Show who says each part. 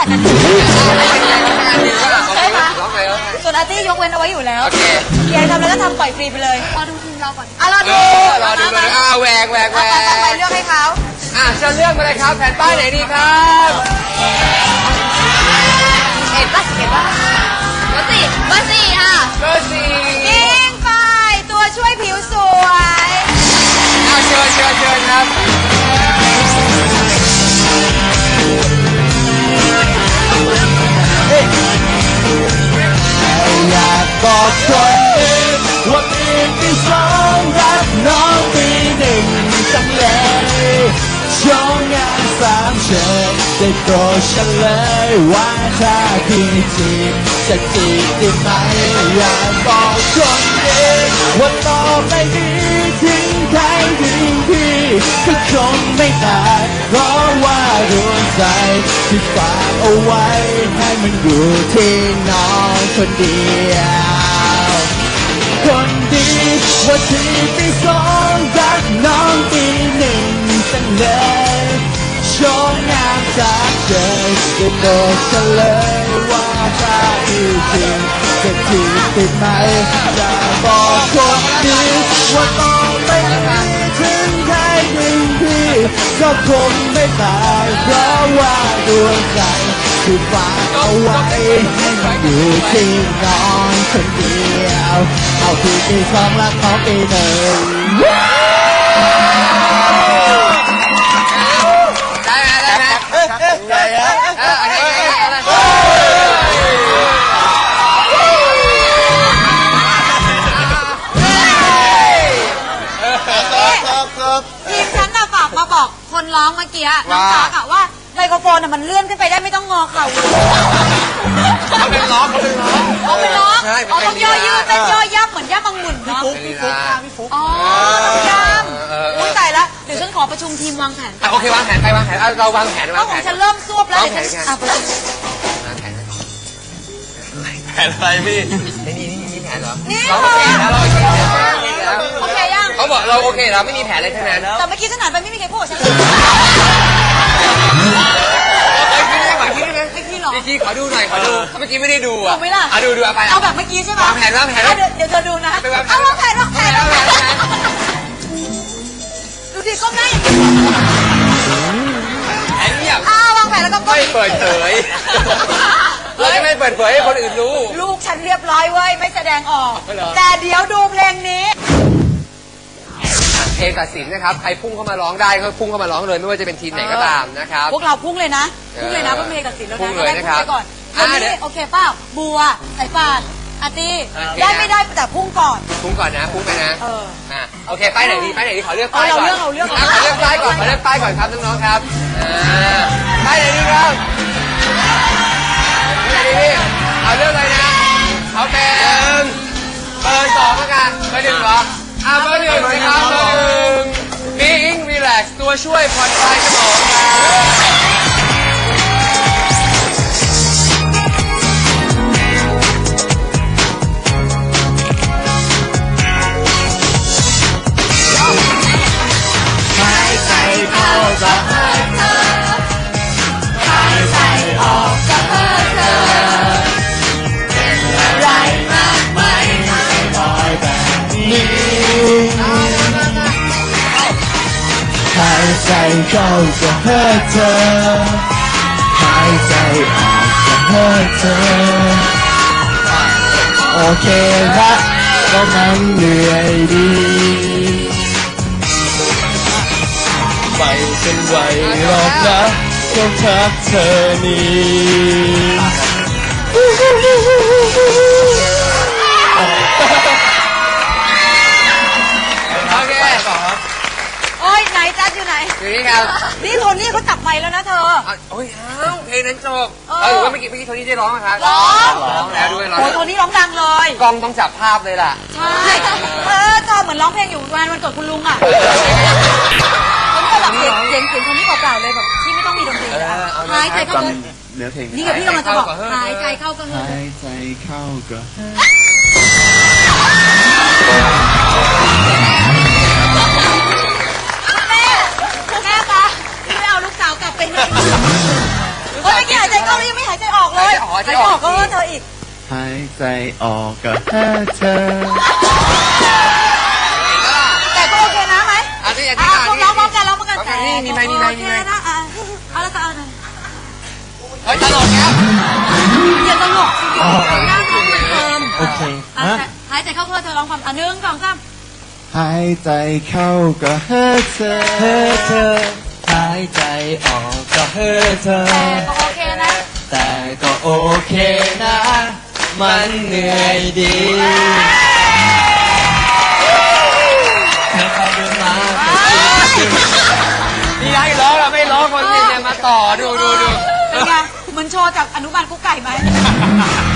Speaker 1: อาจจะดีใช่ไหมส่วนอาร์ตี้ยกเว้นเอาไว้อยู่แล้วอยากทำอะไรก็ทำปล่อยฟรีไปเลยรอดูทีมเราก่อนรอดู
Speaker 2: แหวก
Speaker 1: ไปเลือกให้เขา
Speaker 2: เชิญเลือกมาเลยครับแผ่นป้ายไหนดีครับ
Speaker 1: เห็นป่ะเบอร์สี่ค่ะ
Speaker 2: เบอร์สี่
Speaker 1: ยิงไปตัวช่วยผิวสวย
Speaker 2: เชิญครับ
Speaker 3: อยากบอกคนอื่นว่าปีที่สองรักน้องปีหนึ่งจังเลยโชว์งานสามเชิญได้โปรดเฉลยว่าถ้าพี่จีบจะจีบได้ไหมอยากบอกคนอื่นว่าต่อไปนี้ถึงใครถึงพี่ก็คงไม่ต่างเพราะว่าดวงใจที่ฝากเอาไว้ให้มันอยู่ที่น้องคนเดียวคนดีว่าที่ปีสองรักน้องปีหนึ่งจังเลยโชว์งามจากเจอจะโดดเฉลยว่าถ้าพี่จริงจะจีบติดไหมจะบอกคนดีว่าต้องไปถึงใครถึงพี่ก็คงไม่ตายเพราะว่าดวงใจที่ฝากเอาไว้ให้มันอยู่ที่น้องคนเดียวเอาพี่ปีสองรักน้องปีหนึ่ง
Speaker 1: ทีมฉันน่ะฝากมาบอกคนร้องเมื่อกี้น้องตั๊กอะว่าไมโครโฟนน่ะมันเลื่อนขึ้นไปได้ไม่ต้องงอเข่า
Speaker 2: เขาเป็นร้อง
Speaker 1: ต้องย่อยืดเป็นย่อยับเหมือนย่ามังมุนเนาะ
Speaker 2: พี่ฟุ๊ก
Speaker 1: อ๋อต้องย่ำอุ้ยตายแล้วเดี๋ยวฉันขอประชุมทีมวางแผน
Speaker 2: โอเควางแผนเราวางแผน
Speaker 1: เพราะของฉันเริ่มซวบแล้วเดี๋ยวฉัน
Speaker 2: แผนอะไรพี่นี่แผนเหรอ
Speaker 1: นี่
Speaker 2: เราโอเคแล้วเรา
Speaker 1: โอเคยัง
Speaker 2: เขาบอกเราโอเคเราไม่มีแผนอะไรทั้งนั้น
Speaker 1: แต่เมื่อกี้ฉันหันไปไม่มีใครพูดฉันเลย
Speaker 2: เมื่อกี้ขอดูหน่อยเมื่อกี้ไม่ได้ดูอ่ะดูเอาไป
Speaker 1: เอาแบบเมื่อกี้ใช่ไหม
Speaker 2: วางแผน
Speaker 1: เดี๋ยวเธอดูนะเอาวางแผนดูสิก้มหน้าอย่างนี้
Speaker 2: แผนเงียบ
Speaker 1: วางแผนแล้วก็
Speaker 2: ไม่เปิดเผยเราจะไม่เปิดเผยให้คนอื่นรู้
Speaker 1: ลูกฉันเรียบร้อยเว้ยไม่แสดงออกแต่เดี๋ยวดูเพลงนี้
Speaker 2: เพลงตัดสินนะครับใครพุ่งเข้ามาร้องได้ก็พุ่งเข้ามาร้องเลยไม่ว่าจะเป็นทีมไหนก็ตามนะครับ
Speaker 1: พวกเราพุ่งเลยนะเพื่อเพลงตัดสินแล้วนะ
Speaker 2: พุ่งเลยนะครับ
Speaker 1: ก่อนวันนี้โอเคป้าบัวสายป่านอาร์ตี้ได้ไม่ได้แต่พุ่งก่อน
Speaker 2: พุ่งไปนะโอเคป้ายไหนดีขอเลือกป้ายก่อน
Speaker 1: เราเลือก
Speaker 2: ป้ายก่อนครับน้องๆครับป้ายไหนดีครับเอาเลือกเลยนะเอาเป็นเบอร์สองแล้วกันเบอร์หนึ่งเหรอเบอร์หนึ่งนะครับเบอร์หนึ่งBeing Relax ตัวช่วยผ่อนคลายสมอง
Speaker 3: หายใจเข้าก็หายเธอหายใจออกก็หายเธอเป็นอะไรมากไหมไม่ลอยแบบนี้หายใจเข้าก็หายเธอหายใจออกก็หายเธอโอเคละก็มันเหนื่อยดีไม่เป็นไรหรอกนะก็ทักเธอนี่
Speaker 1: โอ้ยไหนจัดอยู่ไหน
Speaker 2: อยู่นี่ครับ
Speaker 1: นี่โทนี่เขาจับไมค์แล้วนะเธอ
Speaker 2: โอ้ยเพลงนั้นจบหรือว่าเมื่อกี้โทนี่ได้ร้องไหมครับ
Speaker 1: ร้
Speaker 2: องแล้วด้วย
Speaker 1: โอ้โทนี่ร้องดังเลย
Speaker 2: กล้องต้องจับภาพเลยล่ะ
Speaker 1: ใช่เธอเหมือนร้องเพลงอยู่วันเกิดคุณลุงอ่ะผมก็แบบเสียงคนนี้เปล่าๆเลยแบบที่ไม่ต้องมีดนตรีหายใจเข้าก็
Speaker 3: เนื้อเพลง
Speaker 1: นี่กับพี่กำลังจะบอกหายใจเข้าก็
Speaker 3: หายใจเข้าก็
Speaker 1: แม่ปะไม่เอาลูกสาวกลับไปไหนเมื่อกี้หายใจเข้าแล้วยังไม่หายใจออกเลยหายใจออกก็เธออีก
Speaker 3: หายใจออกก็แค่เธอ
Speaker 1: แต่ก็โอเคนะไหม
Speaker 2: อันนี้อัน
Speaker 1: อ่ะ
Speaker 2: นี้
Speaker 1: ร้องพร้อมกันร้องพร้อมกันแต่
Speaker 2: มีไหม
Speaker 1: โอเคนะอ่ะเอาแล้วก็เอาเลย
Speaker 2: เฮ้ยตลกแล้ว
Speaker 1: อย่าตลกสิหน้าท้องเหมือนเดิม
Speaker 3: โอเค
Speaker 1: หายใจเข้าเพื่อเธอร้องความ1 2 3
Speaker 3: หายใจเข้าก็เฮ้เธอหายใจออกก็เฮ้เธอ
Speaker 1: แต่ก็โอเคนะ
Speaker 3: แต่ก็โอเคนะ มันเหนื่อยดีเธอเข้าเดินมา
Speaker 2: นี่ไงร้องเราไม่ร้องคนเนี่ยมาต่อดู
Speaker 1: เป็นไงเหมือนโชว์จากอนุบาลกุ๊กไก่ไหม